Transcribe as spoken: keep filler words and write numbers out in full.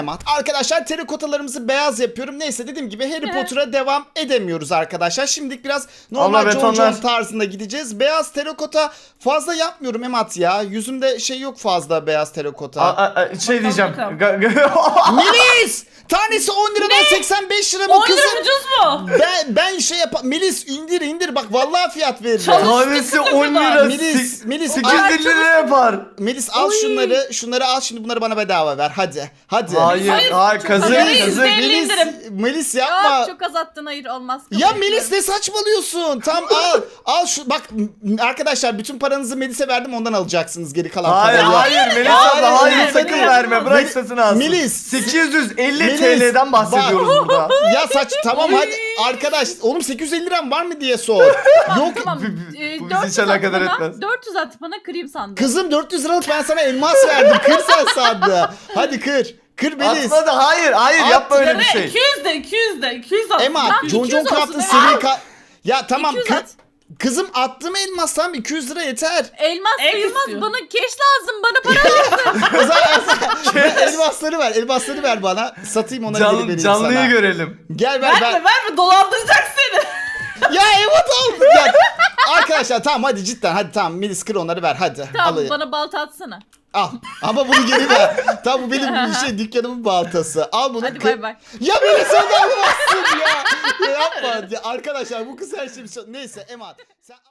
Arkadaşlar terikotalarımızı beyaz yapıyorum. Neyse dediğim gibi Harry Potter'a devam edemiyoruz arkadaşlar. Şimdilik biraz normal John John tarzında gideceğiz. Beyaz terikota fazla yapmıyorum Emat ya. Yüzümde şey yok fazla beyaz terikota. A, a, a, şey diyeceğim. Melis! Tanesi on liradan ne? seksen beş lira mı on kızım? lira ucuz mu? Ben, ben şey yap... Melis indir indir bak vallahi fiyat veririm. Tanesi on lira. Melis, Melis, sekiz yüz lira yapar. Melis al Oy. şunları, şunları al şimdi bunları bana bedava ver hadi. Hadi. Hayır, hayır, hayır kazık kazık. Melis, Melis yapma. Yok çok azalttın, hayır olmaz. Ya Melis ne saçmalıyorsun? Tam al. Al şu bak arkadaşlar bütün paranızı Melis'e verdim ondan alacaksınız geri kalan hayır, parayı. Hayır hayır Melis abla hayır, hayır sakın Melis. verme bırak satın alsın. Melis. sekiz yüz elli T L'den bahsediyoruz bak. burada. Ya saç tamam hadi arkadaş oğlum sekiz yüz elli liram var mı diye sor. Yok. Tamam. Ee, bu bizi hiç alakadar etmez. dört yüz at bana kırayım sandım. Kızım dört yüz liralık ben sana elmas verdim. Kır sen sandı. Hadi kır. Kır Melis. Atma da hayır hayır At, yapma öyle bir şey. iki yüz de iki yüz de iki yüz at. Emma John John Craft'ın seri ka... Ya tamam kı... Kızım attım elmas tamam iki yüz lira yeter. Elmas Ek sayılmaz istiyor. bana cash lazım bana para lazım. O zaman elmasları ver elmasları ver bana satayım onları geri Can, vereyim canlıyı sana. görelim. Gel ver Verme ver. verme dolandıracak seni. Ya evet oldu. Ya. Arkadaşlar tamam hadi cidden hadi tamam Melis kır onları ver hadi. Tamam Alayım. bana balta atsana. Al ama bunu geri ver. Tamam bu benim bir şey dükkanımın baltası. Al bunu. Hadi kır. bay bay. Ya Melis onu almazsın ya. Ya yapma. Ya arkadaşlar bu kız her şey neyse Emad. Sen